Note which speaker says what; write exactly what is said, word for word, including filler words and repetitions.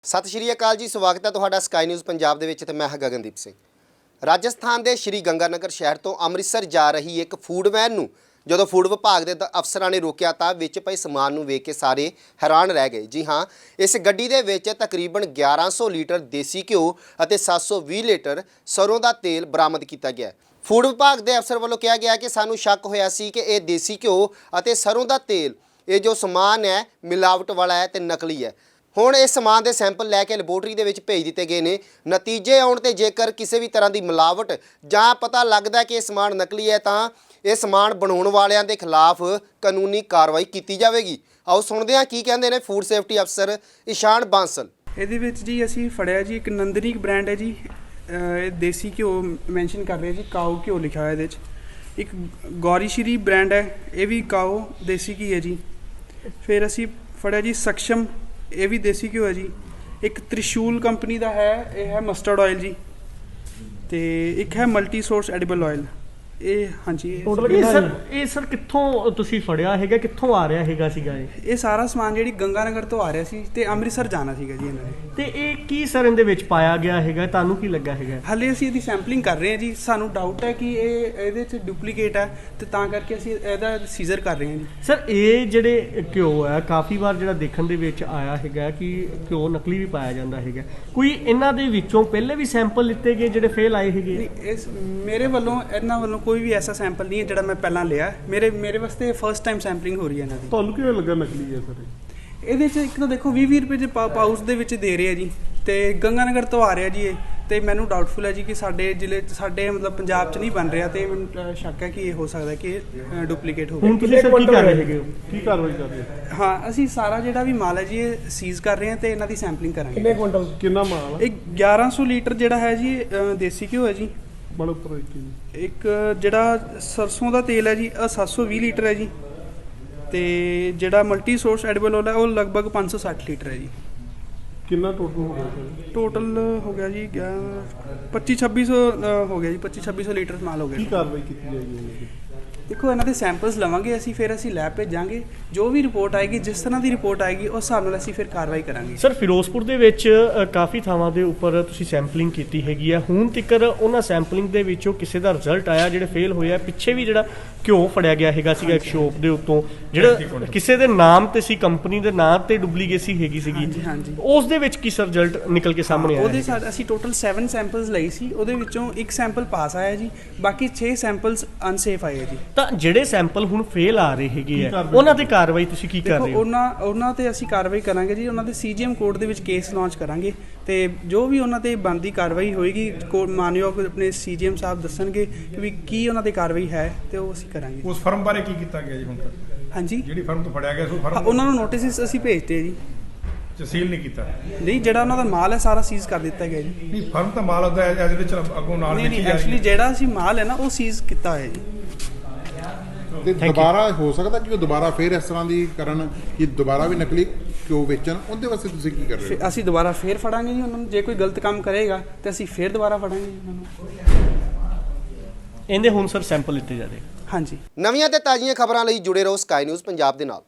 Speaker 1: ਸਤਿ ਸ਼੍ਰੀ ਅਕਾਲ ਜੀ, ਸਵਾਗਤ ਹੈ ਤੁਹਾਡਾ ਸਕਾਈ ਨਿਊਜ਼ ਪੰਜਾਬ ਦੇ ਵਿੱਚ ਤੇ ਮੈਂ ਹਾਂ ਗਗਨਦੀਪ ਸਿੰਘ। ਰਾਜਸਥਾਨ ਦੇ ਸ਼੍ਰੀ ਗੰਗਾਨਗਰ ਸ਼ਹਿਰ ਤੋਂ ਅੰਮ੍ਰਿਤਸਰ ਜਾ ਰਹੀ ਇੱਕ ਫੂਡ ਵੈਨ ਨੂੰ ਜਦੋਂ ਫੂਡ ਵਿਭਾਗ ਦੇ ਅਫਸਰਾਂ ਨੇ ਰੋਕਿਆ ਤਾਂ ਵਿੱਚ ਪਏ ਸਮਾਨ ਨੂੰ ਵੇਖ ਕੇ ਸਾਰੇ ਹੈਰਾਨ ਰਹਿ ਗਏ। ਜੀ ਹਾਂ, ਇਸ ਗੱਡੀ ਦੇ ਵਿੱਚ ਤਕਰੀਬਨ ਗਿਆਰਾਂ ਸੌ ਲੀਟਰ ਦੇਸੀ ਘਿਓ ਅਤੇ ਸੱਤ ਸੌ ਵੀਹ ਲੀਟਰ ਸਰੋਂ ਦਾ ਤੇਲ ਬਰਾਮਦ ਕੀਤਾ ਗਿਆ। ਫੂਡ ਵਿਭਾਗ ਦੇ ਅਫਸਰ ਵੱਲੋਂ ਕਿਹਾ ਗਿਆ ਕਿ ਸਾਨੂੰ ਸ਼ੱਕ ਹੋਇਆ ਸੀ ਕਿ ਇਹ ਦੇਸੀ ਘਿਓ ਅਤੇ ਸਰੋਂ ਦਾ ਤੇਲ ਇਹ ਜੋ ਸਮਾਨ ਹੈ ਮਿਲਾਵਟ ਵਾਲਾ ਹੈ ਤੇ ਨਕਲੀ ਹੈ। ਹੁਣ ਇਸ ਸਮਾਨ ਦੇ ਸੈਂਪਲ ਲੈ ਕੇ ਲੈਬੋਰਟਰੀ ਦੇ ਵਿੱਚ ਭੇਜ ਦਿੱਤੇ ਗਏ ਨੇ। ਨਤੀਜੇ ਆਉਣ ਤੇ ਜੇਕਰ ਕਿਸੇ ਵੀ ਤਰ੍ਹਾਂ ਦੀ ਮਿਲਾਵਟ ਜਾਂ ਪਤਾ ਲੱਗਦਾ ਕਿ ਇਹ ਸਮਾਨ ਨਕਲੀ ਹੈ ਤਾਂ ਇਹ ਸਮਾਨ ਬਣਾਉਣ ਵਾਲਿਆਂ ਦੇ ਖਿਲਾਫ ਕਾਨੂੰਨੀ ਕਾਰਵਾਈ ਕੀਤੀ ਜਾਵੇਗੀ। ਆਓ ਸੁਣਦੇ ਹਾਂ ਕੀ ਕਹਿੰਦੇ ਨੇ ਫੂਡ ਸੇਫਟੀ ਅਫਸਰ ਇਸ਼ਾਨ ਬਾਂਸਲ।
Speaker 2: ਇਹਦੇ ਵਿੱਚ ਜੀ ਅਸੀਂ ਫੜਿਆ ਜੀ ਇੱਕ ਨੰਦਨੀ ਬ੍ਰਾਂਡ ਹੈ ਜੀ, ਇਹ ਦੇਸੀ ਘਿਓ ਮੈਂਸ਼ਨ ਕਰ ਰਿਹਾ ਜੀ, ਕਾਓ ਘਿਓ ਲਿਖਿਆ ਹੋਇਆ ਇਹਦੇ 'ਚ। ਇੱਕ ਗੌਰੀ ਸ਼੍ਰੀ ਬ੍ਰਾਂਡ ਹੈ, ਇਹ ਵੀ ਕਾਓ ਦੇਸੀ ਘੀ ਹੈ ਜੀ। ਫਿਰ ਅਸੀਂ ਫੜਿਆ ਜੀ ਸਕਸ਼ਮ, ਇਹ ਵੀ ਦੇਸੀ ਘਿਓ ਹੈ ਜੀ। ਇੱਕ ਤ੍ਰਿਸ਼ੂਲ ਕੰਪਨੀ ਦਾ ਹੈ, ਇਹ ਹੈ ਮਸਟਰਡ ਆਇਲ ਜੀ। ਤੇ ਇੱਕ ਹੈ ਮਲਟੀ ਸੋਰਸ ਐਡੀਬਲ ਆਇਲ, ਇਹ ਹਾਂਜੀ।
Speaker 3: ਇਹ ਸਰ ਇਹ ਸਰ ਕਿੱਥੋਂ ਤੁਸੀਂ ਫੜਿਆ ਹੈਗਾ, ਕਿੱਥੋਂ ਆ ਰਿਹਾ ਹੈਗਾ ਸੀਗਾ ਇਹ
Speaker 2: ਇਹ ਸਾਰਾ ਸਮਾਨ ਜਿਹੜੀ ਗੰਗਾਨਗਰ ਤੋਂ ਆ ਰਿਹਾ ਸੀ ਤੇ ਅੰਮ੍ਰਿਤਸਰ ਜਾਣਾ ਸੀਗਾ ਜੀ ਇਹਨਾਂ ਨੇ।
Speaker 3: ਤੇ ਇਹ ਕੀ ਸਰ ਇਹਦੇ ਵਿੱਚ ਪਾਇਆ ਗਿਆ ਹੈਗਾ, ਤੁਹਾਨੂੰ ਕੀ ਲੱਗਾ ਹੈਗਾ?
Speaker 2: ਹਾਲੇ ਅਸੀਂ ਇਹਦੀ ਸੈਂਪਲਿੰਗ ਕਰ ਰਹੇ ਹਾਂ ਜੀ। ਸਾਨੂੰ ਡਾਊਟ ਹੈ ਕਿ ਇਹ ਇਹਦੇ 'ਚ ਡੁਪਲੀਕੇਟ ਹੈ ਤੇ ਤਾਂ ਕਰਕੇ ਅਸੀਂ ਇਹਦਾ ਸੀਜ਼ਰ ਕਰ ਰਹੇ ਹਾਂ ਜੀ।
Speaker 3: ਸਰ ਇਹ ਜਿਹੜੇ ਘਿਓ ਹੈ ਕਾਫੀ ਵਾਰ ਜਿਹੜਾ ਦੇਖਣ ਦੇ ਵਿੱਚ ਆਇਆ ਹੈਗਾ ਕਿ ਘਿਓ ਨਕਲੀ ਵੀ ਪਾਇਆ ਜਾਂਦਾ ਹੈਗਾ। ਕੋਈ ਇਹਨਾਂ ਦੇ ਵਿੱਚੋਂ ਪਹਿਲੇ ਵੀ ਸੈਂਪਲ ਲਿੱਤੇ ਗਏ ਜਿਹੜੇ ਫੇਲ ਆਏ ਹੈਗੇ?
Speaker 2: ਇਸ ਮੇਰੇ ਵੱਲੋਂ ਇਹਨਾਂ ਵੱਲੋਂ ਕੋਈ ਵੀ ਐਸਾ ਸੈਂਪਲ ਨਹੀਂ ਹੈ ਜਿਹੜਾ ਮੈਂ ਪਹਿਲਾਂ ਲਿਆ। ਮੇਰੇ ਮੇਰੇ ਵਾਸਤੇ ਫਰਸਟ ਟਾਈਮ ਸੈਂਪਲਿੰਗ ਹੋ ਰਹੀ ਹੈ ਇਹਨਾਂ ਦੀ।
Speaker 4: ਤੁਹਾਨੂੰ ਕਿਵੇਂ ਲੱਗਾ ਨਕਲੀ ਹੈ ਸਰ?
Speaker 2: ਇਹਦੇ 'ਚ ਇੱਕ ਤਾਂ ਦੇਖੋ ਵੀਹ ਵੀਹ ਰੁਪਏ ਦੇ ਪਾਊਚ ਦੇ ਵਿੱਚ ਦੇ ਰਹੇ ਆ ਜੀ, ਤੇ ਗੰਗਾਨਗਰ ਤੋਂ ਆ ਰਿਹਾ ਜੀ ਇਹ। ਤੇ ਮੈਨੂੰ ਡਾਊਟਫੁਲ ਹੈ ਜੀ ਕਿ ਸਾਡੇ ਜ਼ਿਲ੍ਹੇ ਸਾਡੇ ਮਤਲਬ ਪੰਜਾਬ 'ਚ ਨਹੀਂ ਬਣ ਰਿਹਾ, ਤੇ ਮੈਨੂੰ ਸ਼ੱਕ ਹੈ ਕਿ ਇਹ ਹੋ ਸਕਦਾ ਕਿ ਡੁਪਲੀਕੇਟ ਹੋਵੇ।
Speaker 3: ਹੁਣ ਤੁਸੀਂ ਸਰ ਕੀ ਕਰ ਰਹੇ ਹੈਗੇ ਹੋ?
Speaker 4: ਕੀ ਕਾਰਵਾਈ ਕਰ ਰਹੇ ਹੋ?
Speaker 2: ਹਾਂ, ਅਸੀਂ ਸਾਰਾ ਜਿਹੜਾ ਵੀ ਮਾਲ ਹੈ ਜੀ ਇਹ ਸੀਜ਼ ਕਰ ਰਹੇ ਹਾਂ ਤੇ ਇਹਨਾਂ ਦੀ ਸੈਂਪਲਿੰਗ ਕਰਾਂਗੇ।
Speaker 4: ਕਿੰਨੇ ਕੁਇੰਟਲ ਕਿੰਨਾ ਮਾਲ ਹੈ?
Speaker 2: ਇਹ ਗਿਆਰਾਂ ਸੌ ਲੀਟਰ ਜਿਹੜਾ ਹੈ ਜੀ ਦੇਸੀ ਘਿਓ ਹੈ ਜੀ।
Speaker 4: ਬੜਾ ਉੱਪਰ ਇੱਕ
Speaker 2: ਇੱਕ ਜਿਹੜਾ ਸਰਸੋਂ ਦਾ ਤੇਲ ਹੈ ਜੀ, ਇਹ ਸੱਤ ਸੌ ਵੀਹ ਲੀਟਰ ਹੈ ਜੀ। ਤੇ ਜਿਹੜਾ ਮਲਟੀ ਸੋਰਸ ਐਡੀਬਲ ਆਇਲ ਹੈ ਉਹ ਲਗਭਗ ਪੰਜ ਸੌ ਸੱਠ ਲੀਟਰ ਹੈ ਜੀ।
Speaker 4: ਕਿੰਨਾ ਟੋਟਲ ਹੋ ਗਿਆ ਸਰ?
Speaker 2: ਟੋਟਲ ਹੋ ਗਿਆ ਜੀ ਪੱਚੀ ਛੱਬੀ ਸੌ ਹੋ ਗਿਆ ਜੀ, ਪੱਚੀ ਛੱਬੀ ਸੌ ਲੀਟਰ ਮਾਲ ਹੋ ਗਿਆ।
Speaker 4: ਕੀ ਕਾਰਵਾਈ ਕੀਤੀ ਜਾਏਗੀ ਉਹਨਾਂ ਦੀ?
Speaker 2: ਦੇਖੋ ਇਹਨਾਂ ਦੇ ਸੈਂਪਲਸ ਲਵਾਂਗੇ ਅਸੀਂ, ਫਿਰ ਅਸੀਂ ਲੈਬ ਭੇਜਾਂਗੇ। ਜੋ ਵੀ ਰਿਪੋਰਟ ਆਏਗੀ, ਜਿਸ ਤਰ੍ਹਾਂ ਦੀ ਰਿਪੋਰਟ ਆਏਗੀ ਉਸ ਹਿਸਾਬ ਨਾਲ ਅਸੀਂ ਫਿਰ ਕਾਰਵਾਈ ਕਰਾਂਗੇ।
Speaker 3: ਸਰ ਫਿਰੋਜ਼ਪੁਰ ਦੇ ਵਿੱਚ ਅ, ਕਾਫੀ ਥਾਵਾਂ ਦੇ ਉੱਪਰ ਤੁਸੀਂ ਸੈਂਪਲਿੰਗ ਕੀਤੀ ਹੈਗੀ ਆ। ਹੁਣ ਤੱਕ ਉਹਨਾਂ ਸੈਂਪਲਿੰਗ ਦੇ ਵਿੱਚੋਂ ਕਿਸੇ ਦਾ ਰਿਜ਼ਲਟ ਆਇਆ ਜਿਹੜੇ ਫੇਲ ਹੋਇਆ? ਪਿੱਛੇ ਵੀ ਜਿਹੜਾ ਘਿਓ ਫੜਿਆ ਗਿਆ ਹੈਗਾ ਸੀਗਾ ਇੱਕ ਸ਼ੋਪ ਦੇ ਉੱਤੋਂ, ਜਿਹੜਾ ਕਿਸੇ ਦੇ ਨਾਮ ਤੇ ਸੀ, ਕੰਪਨੀ ਦੇ ਨਾਮ ਤੇ ਡੁਪਲੀਕੇਸੀ ਹੈਗੀ ਸੀਗੀ,
Speaker 2: ਹਾਂਜੀ।
Speaker 3: ਉਸ ਦੇ ਵਿੱਚ ਕੀ ਸਰ ਰਿਜ਼ਲਟ ਨਿਕਲ ਕੇ ਸਾਹਮਣੇ ਆਇਆ?
Speaker 2: ਉਹਦੇ ਸਾਡ ਅਸੀਂ ਟੋਟਲ ਸੱਤ ਸੈਂਪਲਸ ਲਈ ਸੀ, ਉਹਦੇ ਵਿੱਚੋਂ ਇੱਕ ਸੈਂਪਲ ਪਾਸ ਆਇਆ ਜੀ, ਬਾਕੀ ਛੇ ਸੈਂਪਲਸ ਅਨਸੇਫ ਆਏ ਜੀ।
Speaker 3: ਤਾਂ ਜਿਹੜੇ ਸੈਂਪਲ ਹੁਣ ਫੇਲ ਆ ਰਹੇ ਹੈਗੇ ਆ ਉਹਨਾਂ ਤੇ ਕਾਰਵਾਈ ਤੁਸੀਂ ਕੀ ਕਰ ਰਹੇ ਹੋ?
Speaker 2: ਉਹਨਾਂ ਉਹਨਾਂ ਤੇ ਅਸੀਂ ਕਾਰਵਾਈ ਕਰਾਂਗੇ ਜੀ। ਉਹਨਾਂ ਦੇ ਸੀਜੀਐਮ ਕੋਰਟ ਦੇ ਵਿੱਚ ਕੇਸ ਲਾਂਚ ਕਰਾਂਗੇ ਤੇ ਜੋ ਵੀ ਉਹਨਾਂ ਤੇ ਬਣਦੀ ਕਾਰਵਾਈ ਹੋਏਗੀ ਮਾਨਯੋਗ ਆਪਣੇ ਸੀਜੀਐਮ ਸਾਹਿਬ ਦੱਸਣਗੇ ਕਿ ਵੀ ਕੀ ਉਹਨਾਂ ਦੀ ਕਾਰਵਾਈ ਹੈ ਤੇ ਉਹ ਅਸੀਂ ਕਰਾਂਗੇ।
Speaker 5: ਉਸ ਫਰਮ ਬਾਰੇ ਕੀ ਕੀਤਾ ਗਿਆ ਜੀ ਹੁਣ ਤੱਕ?
Speaker 2: ਹਾਂਜੀ,
Speaker 5: ਜਿਹੜੀ ਫਰਮ ਤੋਂ ਫੜਿਆ ਗਿਆ ਸੋ ਫਰਮ
Speaker 2: ਉਹਨਾਂ ਨੂੰ ਨੋਟਿਸ ਅਸੀਂ ਭੇਜਤੇ ਜੀ।
Speaker 5: ਸੀਲ ਨਹੀਂ ਕੀਤਾ?
Speaker 2: ਨਹੀਂ, ਜਿਹੜਾ ਉਹਨਾਂ ਦਾ ਮਾਲ ਹੈ ਸਾਰਾ ਸੀਜ਼ ਕਰ ਦਿੱਤਾ ਗਿਆ ਜੀ।
Speaker 5: ਨਹੀਂ, ਫਰਮ ਤਾਂ ਮਾਲ ਉਹਦਾ ਐਜ਼ ਵਿੱਚ ਅੱਗੋਂ ਨਾਲ
Speaker 2: ਨਹੀਂ
Speaker 5: ਵੇਚੀ
Speaker 2: ਨਹੀਂ
Speaker 5: ਜਾ ਰਹੀ
Speaker 2: ਐਕਚੁਅਲੀ
Speaker 5: ਹੈ।
Speaker 2: ਜਿਹੜਾ ਅਸੀਂ ਮਾਲ ਹੈ ਨਾ ਉਹ ਸੀਜ਼ ਕੀਤਾ ਹੋਇਆ ਜੀ।
Speaker 4: ਤੇ ਦੁਬਾਰਾ ਹੋ ਸਕਦਾ ਕਿ ਉਹ ਦੁਬਾਰਾ ਫੇਰ ਇਸ ਤਰ੍ਹਾਂ ਦੀ ਕਰਨ ਕਿ ਦੁਬਾਰਾ ਵੀ ਨਕਲੀ ਕਿਉਂ ਵੇਚਣ? ਉਹਦੇ ਵਾਸਤੇ ਤੁਸੀਂ ਕੀ ਕਰ ਰਹੇ ਹੋ?
Speaker 2: ਅਸੀਂ ਦੁਬਾਰਾ ਫੇਰ ਫੜਾਂਗੇ ਜੀ ਉਹਨਾਂ ਨੂੰ। ਜੇ ਕੋਈ ਗਲਤ ਕੰਮ ਕਰੇਗਾ ਤੇ ਅਸੀਂ ਫੇਰ ਦੁਬਾਰਾ ਫੜਾਂਗੇ ਜੀ ਉਹਨਾਂ ਨੂੰ।
Speaker 3: ਇਹਦੇ ਹੁਣ ਸਰ ਸੈਂਪਲ ਲਿੱਤੇ ਜਾ ਰਹੇ?
Speaker 2: ਹਾਂਜੀ।
Speaker 1: ਨਵੀਆਂ ਤੇ ਤਾਜ਼ੀਆਂ ਖਬਰਾਂ ਲਈ ਜੁੜੇ ਰਹੋ ਸਕਾਈ ਨਿਊਜ਼ ਪੰਜਾਬ ਦੇ ਨਾਲ।